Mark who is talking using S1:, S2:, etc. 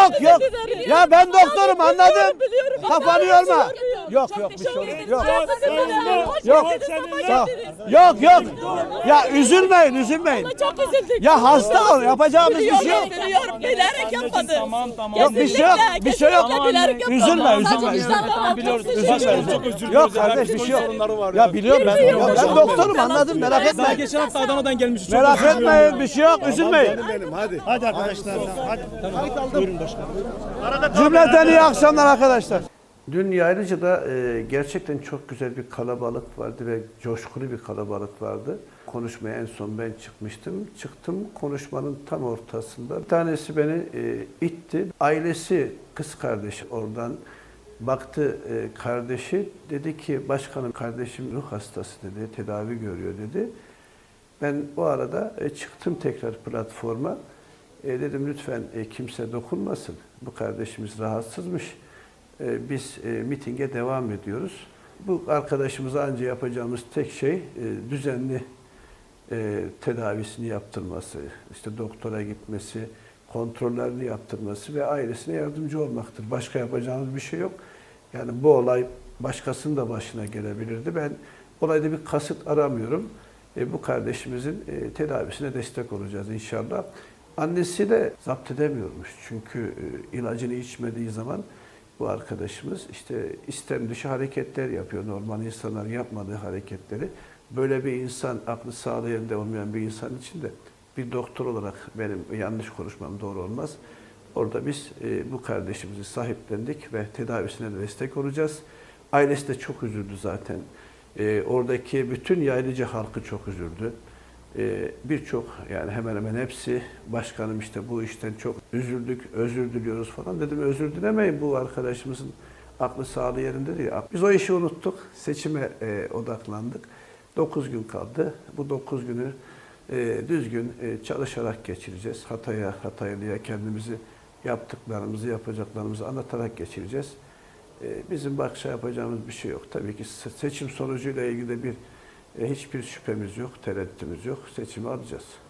S1: Yok yok. Ya ben doktorum anladım. Kafanı yorma. Yok yok bir şey olmaz. Yok. Yok. Sağ ol. Yok yok. Ya üzülmeyin üzülmeyin.
S2: Çok üzüldük.
S1: Ya hasta ol yapacağımız bir şey yok.
S2: Biliyorum. Bilerek yapmadı.
S1: Yok bir şey yok. Bir şey yok.
S2: Bilerek yapmadı.
S1: Üzülme üzülme. Yok kardeş bir şey yok. Ya biliyorum ben doktorum anladım merak etmeyin.
S3: Geçen hafta Adana'dan gelmişiz.
S1: Merak etmeyin bir şey yok üzülmeyin.
S4: Hadi arkadaşlar. Hadi. Buyurun başkanım.
S1: Cümleten iyi akşamlar arkadaşlar. Dün Yaylıca'da gerçekten çok güzel bir kalabalık vardı ve coşkulu bir kalabalık vardı. Konuşmaya en son ben çıkmıştım. Çıktım konuşmanın tam ortasında. Bir tanesi beni itti. Ailesi, kız kardeşi oradan baktı kardeşi. Dedi ki başkanım kardeşim ruh hastası dedi, tedavi görüyor dedi. Ben o arada çıktım tekrar platforma. Dedim lütfen kimse dokunmasın. Bu kardeşimiz rahatsızmış. Biz mitinge devam ediyoruz. Bu arkadaşımıza anca yapacağımız tek şey düzenli tedavisini yaptırması, işte doktora gitmesi, kontrollerini yaptırması ve ailesine yardımcı olmaktır. Başka yapacağımız bir şey yok. Yani bu olay başkasının da başına gelebilirdi. Ben olayda bir kasıt aramıyorum. Bu kardeşimizin tedavisine destek olacağız inşallah. Annesi de zapt edemiyormuş. Çünkü ilacını içmediği zaman bu arkadaşımız işte istem dışı hareketler yapıyor. Normal insanların yapmadığı hareketleri. Böyle bir insan, aklı sağlığı yerinde olmayan bir insan için de bir doktor olarak benim yanlış konuşmam doğru olmaz. Orada biz bu kardeşimizi sahiplendik ve tedavisine de destek olacağız. Ailesi de çok üzüldü zaten. Oradaki bütün Yaylıca halkı çok üzüldü. Birçok yani hemen hemen hepsi başkanım işte bu işten çok üzüldük, özür diliyoruz falan dedim. Özür dilemeyin bu arkadaşımızın aklı sağlığı yerinde değil. Biz o işi unuttuk, seçime odaklandık. 9 gün kaldı. Bu 9 günü düzgün çalışarak geçireceğiz. Hataylı'ya kendimizi yaptıklarımızı, yapacaklarımızı anlatarak geçireceğiz. Bizim başka yapacağımız bir şey yok. Tabii ki seçim sonucuyla ilgili hiçbir şüphemiz yok, tereddütümüz yok. Seçimi alacağız.